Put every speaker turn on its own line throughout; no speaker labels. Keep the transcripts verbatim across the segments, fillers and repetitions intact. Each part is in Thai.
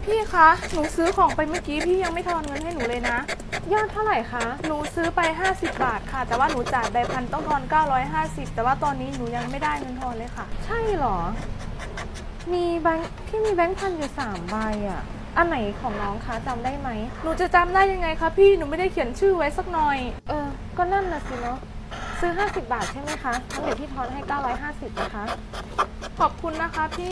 พี่คะ หนูซื้อของไปเมื่อกี้พี่ยังไม่ทอนเงินให้หนูเลยนะ
ยอดเท่าไหร่คะ
หนูซื้อไปห้าสิบบาทค่ะ แต่ว่าหนูจ่ายใบพันต้องทอนเก้าร้อยห้าสิบแต่ว่าตอนนี้หนูยังไม่ได้เงินทอนเลยค่ะ
ใช่เหรอ มีแบงค์พี่มีแบงค์พันอยู่สามใบอ่ะ อันไหนของน้องคะจำได้ไหม
หนูจะจำได้ยังไงคะพี่ หนูไม่ได้เขียนชื่อไว้สักหน่อย
เออ ก็นั่นน่ะสิเนาะ ซื้อห้าสิบบาทใช่ไหมคะงั้นเดี๋ยวพี่ทอนให้เก้าร้อยห้าสิบนะคะ
ขอบคุณนะคะพี่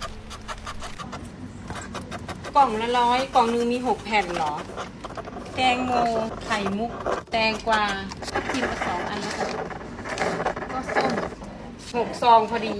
กล่องละร้อยกล่องหนึงมีหกแผ่นเหรอ แตงโมไข่มุก แตงกวาทับทิมมาสองอันแล้วกันก็ส้มหกซองพอดี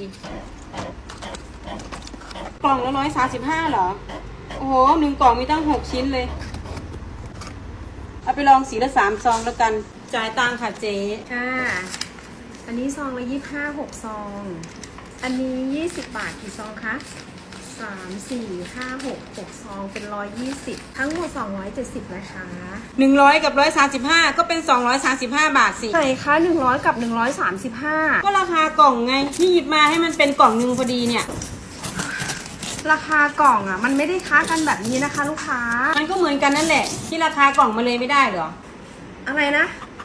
กล่องละร้อยสามสิบห้าเหรอ โอ้โหหนึ่งกล่องมีตั้งหกชิ้นเลย เอาไปลองสีละสามซองแล้วกัน จ่ายตังค่ะเจ๊
ค่ะ อันนี้ซองละยี่สิบห้าหกซอง อันนี้ยี่สิบบาทกี่ซองคะสามสี่ห้าหกหกซองเป็นร้อยยี่สิบทั้งหมดสองร้อยเจ็ดสิบนะคะ
หนึ่งร้อยกับร้อยสามสิบห้าก็เป็นสองร้อยสามสิบห้าบาทสิ
ไหนคะหนึ่งร้อยกับหนึ่งร้อยสามสิบห้า
ก็ราคากล่องไงที่หยิบมาให้มันเป็นกล่องหนึ่งพอดีเนี่ย
ราคากล่องอ่ะ มันไม่ได้ค้ากันแบบนี้นะคะ ลูกค้า
มันก็เหมือนกันนั่นแหละ ที่ราคากล่องมาเลยไม่ได้เหรอ
อะไรนะ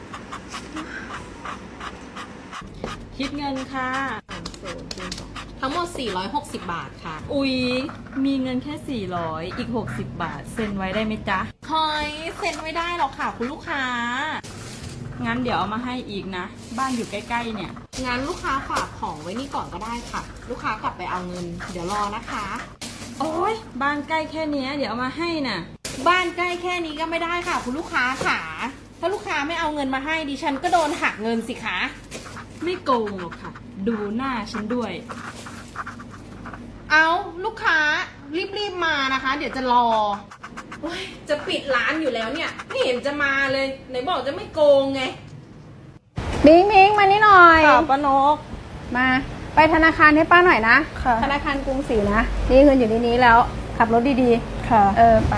คิดเงินค่ะ
ทั้งหมด สี่ร้อยหกสิบ บาทค่ะ
อุ๊ย มีเงินแค่สี่ร้อยอีกหกสิบบาท เซ็นไว้ได้ไหมจ๊ะ
เฮ้ยเซ็นไม่ได้หรอกค่ะคุณลูกค้า
งั้นเดี๋ยวเอามาให้อีกนะ บ้านอยู่ใกล้ๆเนี่ย
งั้นลูกค้าฝากของไว้นี่ก่อนก็ได้ค่ะ ลูกค้ากลับไปเอาเงิน เดี๋ยวรอนะคะ
โอ๊ย บ้านใกล้แค่เนี้ยเดี๋ยวเอามาให้น่ะ
บ้านใกล้แค่นี้ก็ไม่ได้ค่ะคุณลูกค้าค่ะ ถ้าลูกค้าไม่เอาเงินมาให้ดิฉันก็โดนหักเงินสิคะ
ไม่โกงหรอกค่ะ ดูหน้าฉันด้วย
เอาลูกค้ารีบๆมานะคะ เดี๋ยวจะรอโอ๊ยจะปิดร้านอยู่แล้วเนี่ยไม่เห็นจะมาเลยไหนบอกจะไม่โกงไง
มิงมิงมานี่หน่อย
ค่ะป้านก
มา ไปธนาคารให้ป้าหน่อยนะ
ค่ะ
ธนาคารกรุงศรีนะ นี่เงินอยู่ในนี้แล้ว ขับรถดี
ค่ะ
ๆ เออ ไป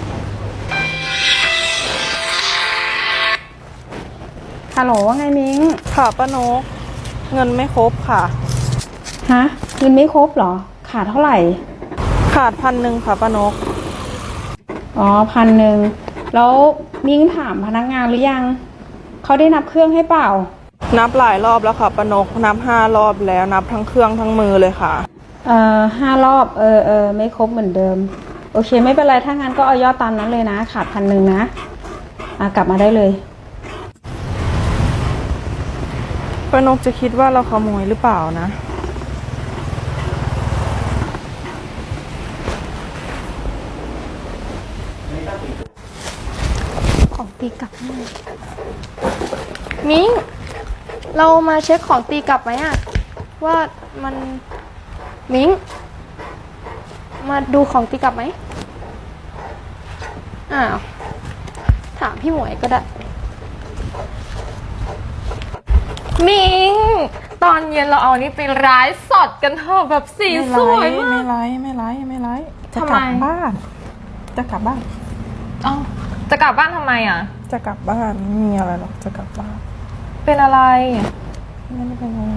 ฮัลโหลว่าไงมิง
ค่ะป้านก เงินไม่ครบค่ะ
ฮะเงินไม่ครบเหรอ ขาดเท่าไหร่
ขาดพันหนึ่งค่ะป้านก
อ๋อพันหนึ่งแล้วมิ้งถามพนักงานหรือยัง เขาได้นับเครื่องให้เปล่า
นับหลายรอบแล้วค่ะป้านก นับห้ารอบแล้ว นับทั้งเครื่องทั้งมือเลยค่ะ
เอ่อห้ารอบ เออเออไม่ครบเหมือนเดิม โอเค ไม่เป็นไร ถ้างั้นก็เอายอดตามนั้นเลยนะ ขาดพันหนึ่งนะ อ่ะกลับมาได้เลย
ป้านกจะคิดว่าเราขโมยหรือเปล่านะ
ของตีกลับมิ้งเรามาเช็คของตีกลับไหมอะว่ามันมิ้งมาดูของตีกลับไหมอ้าวถามพี่หมวยก็ได้มิ้งตอนเย็นเราเอานี้ไปร้ายสดกันเถอะแบบสีสวยมาก
ไม่ไลฟ์ไม่ไลฟ์ไม่ไลฟ์จะ
ทำ
ก
ไม
ลับบ้าน จะกลับบ้าน
เอ้าจะกลับบ้านทำไมอ่ะ
จะกลับบ้านไม่มีอะไรหรอก จะกลับบ้าน
เป็นอะไร
ไม่ได้เป็นอะไร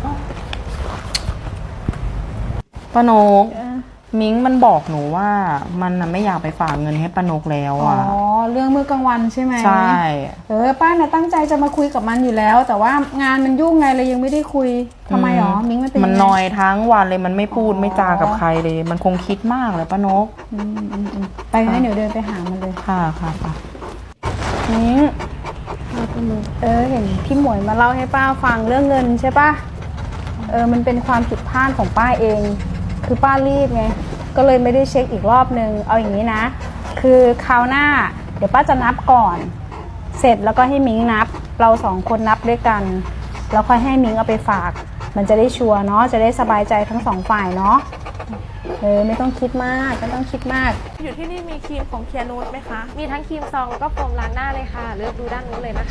ป้านก มิ้งมันบอกหนูว่ามันน่ะไม่อยากไปฝากเงินให้ป้านกแล้ว
อ๋อ
อ่ะ
เรื่องเมื่อกลางวันใช่ไหม
ใช่
เออป้าน่ะตั้งใจจะมาคุยกับมันอยู่แล้ว แต่ว่างานมันยุ่งไงเลยยังไม่ได้คุยทำไมหรอ มิ้งมันเป็น
มัน
ยังไง
นอยทั้งวันเลยมันไม่พูด
อ๋อ
ไม่จากับใครเลย มันคงคิดมากเลยป้านก
อืมอืมอืมไปงั้นเดี๋ยวเดินไปหามันเลย
ค่ะค่ะค่ะ
มิ้งเออเห็นพี่หมวยมาเล่าให้ป้าฟังเรื่องเงินใช่ป่ะ เออมันเป็นความผิดพลาดของป้าเอง คือป้ารีบไง ก็เลยไม่ได้เช็คอีกรอบนึง เอาอย่างนี้นะ คือคราวหน้า เดี๋ยวป้าจะนับก่อน เสร็จแล้วก็ให้มิ้งนับ เราสองคนนับด้วยกัน แล้วค่อยให้มิ้งเอาไปฝาก มันจะได้ชัวร์เนาะ จะได้สบายใจทั้งสองฝ่ายเนาะ เออไม่ต้องคิดมากไม่ต้องคิดมาก
อยู่ที่นี่มีครีมของเคียนูดไหมคะ
มีทั้งครีมซองแล้วก็โฟมล้างหน้าเลยค่ะ เลือกดูด้านนู้นเลยนะคะ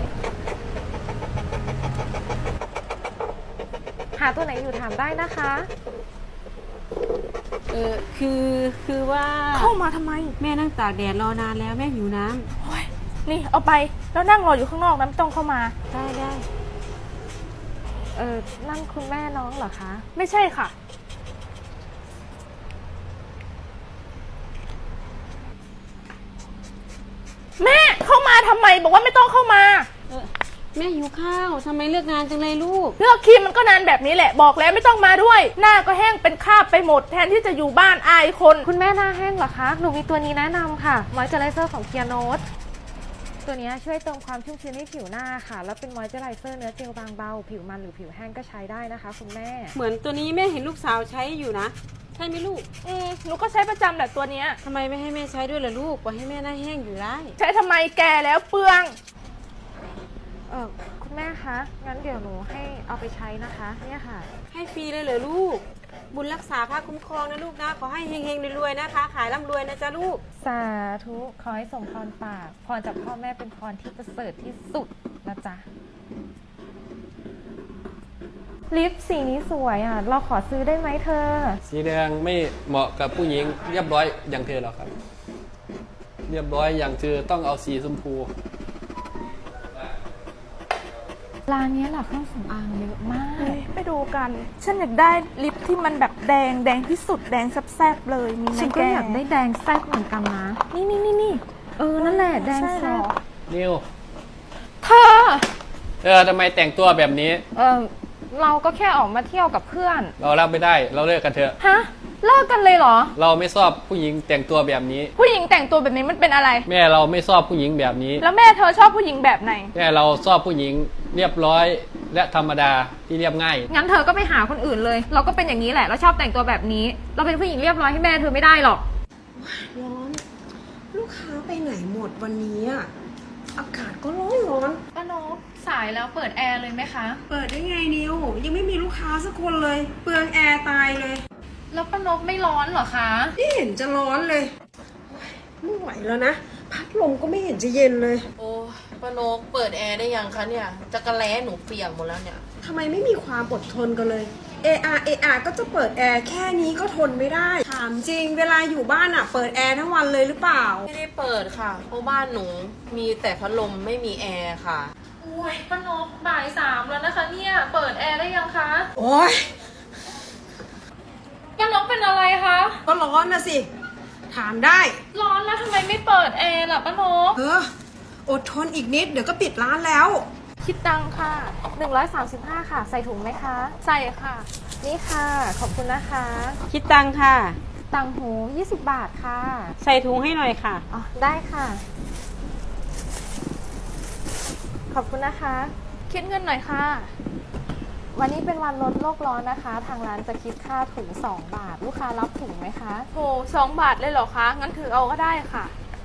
หาตัวไหนอยู่ถามได้นะคะ
เออคือคือว่า
เข้ามาทำไม
แม่นั่งตากแดดรอนานแล้วแม่หิวน้ำ
โอ้ยนี่เอาไป แล้วนั่งรออยู่ข้างนอกนะไม่ต้องเข้ามา
ได้ได้
เออนั่นคุณแม่น้องเหรอคะ
ไม่ใช่ค่ะทำไมบอกว่าไม่ต้องเข้ามา
แม่หิวข้าวทำไมเลือกงานจังเลยลูก
เลือกครีมมันก็นานแบบนี้แหละบอกแล้วไม่ต้องมาด้วย หน้าก็แห้งเป็นคราบไปหมดแทนที่จะอยู่บ้านอายคน
คุณแม่หน้าแห้งเหรอคะ หนูมีตัวนี้แนะนำค่ะ มอยเจอไรเซอร์ของเคียโนสตัวนี้ช่วยเติมความชุ่มชื้นให้ผิวหน้าค่ะ แล้วเป็นมอยเจอไรเซอร์เนื้อเจลบางเบา ผิวมันหรือผิวแห้งก็ใช้ได้นะคะคุณแม่
เหมือนตัวนี้แม่เห็นลูกสาวใช้อยู่นะ ใช่ไหมลูก
อืมหนูก็ใช้ประจำแหละตัวเนี้ย
ทำไมไม่ให้แม่ใช้ด้วยล่ะลูกปล่อยให้แม่หน้าแห้งอยู่ได้
ใช้ทำไมแก่แล้วเปลือง
เออคุณแม่คะ งั้นเดี๋ยวหนูให้เอาไปใช้นะคะ เนี่ยค่ะ
ให้ฟรีเลยเหรอลูก บุญรักษาพระคุ้มครองนะลูกนะ ขอให้เฮงๆรวยๆนะคะ ขายร่ำรวยนะจ๊ะลูก
สาธุ ขอให้สมพรปาก พรจากพ่อแม่เป็นพรที่ประเสริฐที่สุดนะจ๊ะ ลิปสีนี้สวยอ่ะ เราขอซื้อได้ไหมเธอ
สีแดงไม่เหมาะกับผู้หญิงเรียบร้อยอย่างเธอหรอกครับ เรียบร้อยอย่างเธอต้องเอาสีชมพู
ร้านนี้หลักเครื่องสำอางเยอะมาก
เฮ้ยไปดูกัน ฉันอยากได้ลิปที่มันแบบแดงแดงที่สุดแดงแซ่บๆเลยมีไหม
ฉันก็
แก
อยากได้แดงแซ่บเหมือนกันนะ
นี่นี่นี่นี่
เออ นั่นแหละแดง
ใช่เหร
แซ่
อบ
นิว
เธอ
เออทำไมแต่งตัวแบบนี้
เออเราก็แค่ออกมาเที่ยวกับเพื่อน
เรารับไม่ได้เราเลิกกันเถอะ
ฮะ เลิกกันเลยเหรอ
เราไม่ชอบผู้หญิงแต่งตัวแบบนี้
ผู้หญิงแต่งตัวแบบนี้มันเป็นอะไร
แม่เราไม่ชอบผู้หญิงแบบนี้
แล้วแม่เธอชอบผู้หญิงแบบไหน
แม่เราชอบผู้หญิงเรียบร้อยและธรรมดาที่เรียบง่าย
งั้นเธอก็ไปหาคนอื่นเลย เราก็เป็นอย่างนี้แหละ เราชอบแต่งตัวแบบนี้ เราเป็นผู้หญิงเรียบร้อยให้แม่เธอไม่ได้หรอก
ร้อน ลูกค้าไปไหนหมดวันนี้อะอากาศก็ร้อนร้อน
ป้านกสายแล้วเปิดแอร์เลยไหมคะ
เปิดได้ไงนิว ยังไม่มีลูกค้าสักคนเลย เปลืองแอร์ตายเลย
แล้วป้านกไม่ร้อนเหรอคะ
ไม่เห็นจะร้อนเลยไม่ไหวแล้วนะ พัดลมก็ไม่เห็นจะเย็นเลย
โอ้ป้านกเปิดแอร์ได้ยังคะเนี่ยจักรแล้หนูเปียกหมดแล้วเนี่ย
ทำไมไม่มีความอดทนกันเลย เออาเออาก็จะเปิดแอร์แค่นี้ก็ทนไม่ได้ ถามจริง เวลาอยู่บ้านอะเปิดแอร์ทั้งวันเลยหรือเปล่า
ไม่ได้เปิดค่ะ เพราะบ้านหนูมีแต่พัดลมไม่มีแอร์ค่ะ
โอ้ยป้านกบ่ายสามแล้วนะคะเนี่ย เปิดแอร์ได้ยังคะ
โอ๊ย
ป้านกเป็นอะไรคะ
ก็ร้อนนะสิ ถามได้
ร้อนแล้วทำไมไม่เปิดแอร์ล่ะป้านก
เออ อดทนอีกนิดเดี๋ยวก็ปิดร้านแล้ว
คิดตังค่ะ
หนึ่งร้อยสามสิบห้าค่ะ ใส่ถุงไหมคะ
ใส่ค่ะ
นี่ค่ะ ขอบคุณนะคะ
คิดตังค่ะ
ตังหูยี่สิบบาทค่ะ
ใส่ถุงให้หน่อยค่ะ
อ๋อ ได้ค่ะ ขอบคุณนะคะ
คิดเงินหน่อยค่ะ
วันนี้เป็นวันลดโลกร้อนนะคะ ทางร้านจะคิดค่าถุงสองบาท ลูกค้ารับถุงไหมคะ
โหสองบาทเลยเหรอคะ งั้นถือเอาก็ได้ค่ะ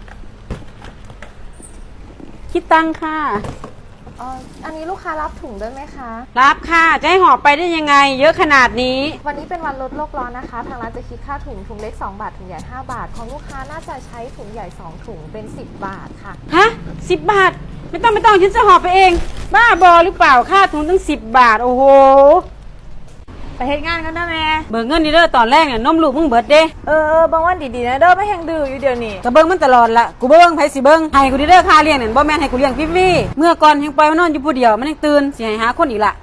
คิดตังค่ะ
อ๋อ อันนี้ลูกค้ารับถุงด้วยไหมคะ
รับค่ะ จะให้หอบไปได้ยังไง เยอะขนาดนี้
วันนี้เป็นวันลดโลกร้อนนะคะ ทางร้านจะคิดค่าถุงถุงเล็กสองบาทถุงใหญ่ห้าบาท ของลูกค้าน่าจะใช้ถุงใหญ่สองถุงเป็นสิบบาทค่ะ
ฮะสิบบาท ไม่ต้องไม่ต้องฉันจะหอบไปเอง บ้าบอหรือเปล่าค่าถุงตั้งสิบบาท โอ้โห
ไปเฮ็ดงานกันนะแม่
เบิกเงินนี่เด้อตอนแรกเนี่ยนมลูกมึงเบิดเด้
เออเออบางวันดีๆนะเด้อไม่แห้งดื้ออยู่เดี๋ยวนี้
ก็เบิ่งมันตลอดละกูเบิ่งไผสิเบิ่งให้กูดิเด้อค่าเลี้ยงนั่นบ่แม่นให้กูเลี้ยงฟรีๆเมื่อก่อนยังปล่อยมันนอนอยู่ผู้เดียวมันยังตื่นสิให้หาคนอีกละ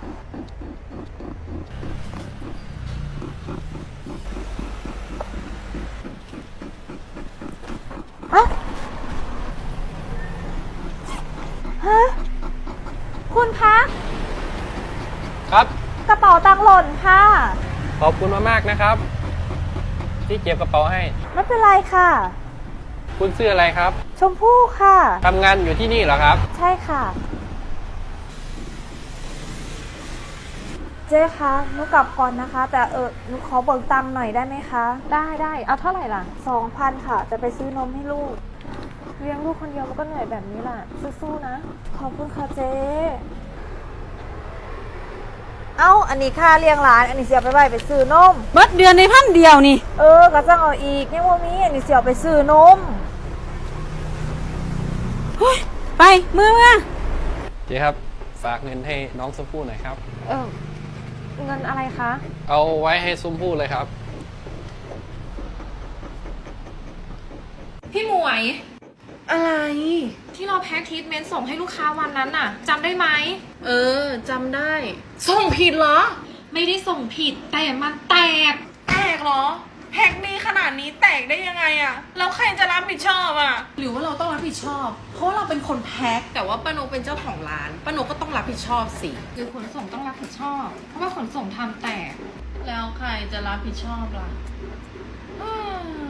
คุณคะ
ครับ
กระเป๋าตังค์หล่นค่ะ
ขอบคุณมากๆนะครับ ที่เก็บกระเป๋าให้
ไม่เป็นไรค่ะ
คุณชื่ออะไรครับ
ชมพู่ค่ะ
ทำงานอยู่ที่นี่เหรอครับ
ใช่ค่ะ เจ๊คะหนูกลับก่อนนะคะ แต่เออหนูขอเบิกตังค์หน่อยได้ไหมคะ
ได้ได้เอาเท่าไหร่ล่ะ
สองพันค่ะ จะไปซื้อนมให้ลูก
เลี้ยงลูกคนเดียวมันก็เหนื่อยแบบนี้แหละสู้ๆนะ
ขอบคุณค่ะเจ๊ เอ้า อันนี้ค่าเลี้ยงหลาน อันนี้เสียไปไว้ไปซื้อนม
เบิดเดือนในพันเดียวนี่
เออก็จะเอาอีกยังว่ามีอันนี้เสียไปซื้อนม
ไปมือมา
เจ๊ครับ ฝากเงินให้น้องชมพู่หน่อยครับ
เออ เงินอะไรคะ
เอาไว้ให้ชมพู่เลยครับ
พี่หมวย
อะไร
ที่เราแพ็คทรีทเมนต์ส่งให้ลูกค้าวันนั้นน่ะจำได้ไหม
เออจำได้
ส่งผิดเหรอ ไม่ได้ส่งผิดแต่มันแตก แตกเหรอ แพ็คนี้ข
ขนาดนี้แตกได้ยังไงอะแล้วใครจะรับผิดชอบอะหรือว่าเราต้องรับผิดชอบ เพราะว่าเราเป็นคนแพ็คแต่ว่าป้านกเป็นเจ้าของร้านป้านกก็ต้องรับผิดชอบสิหรือขนส่งต้องรับผิดชอบ เพราะว่าขนส่งทำแตกแล้วใครจะรับผิดชอบล่ะ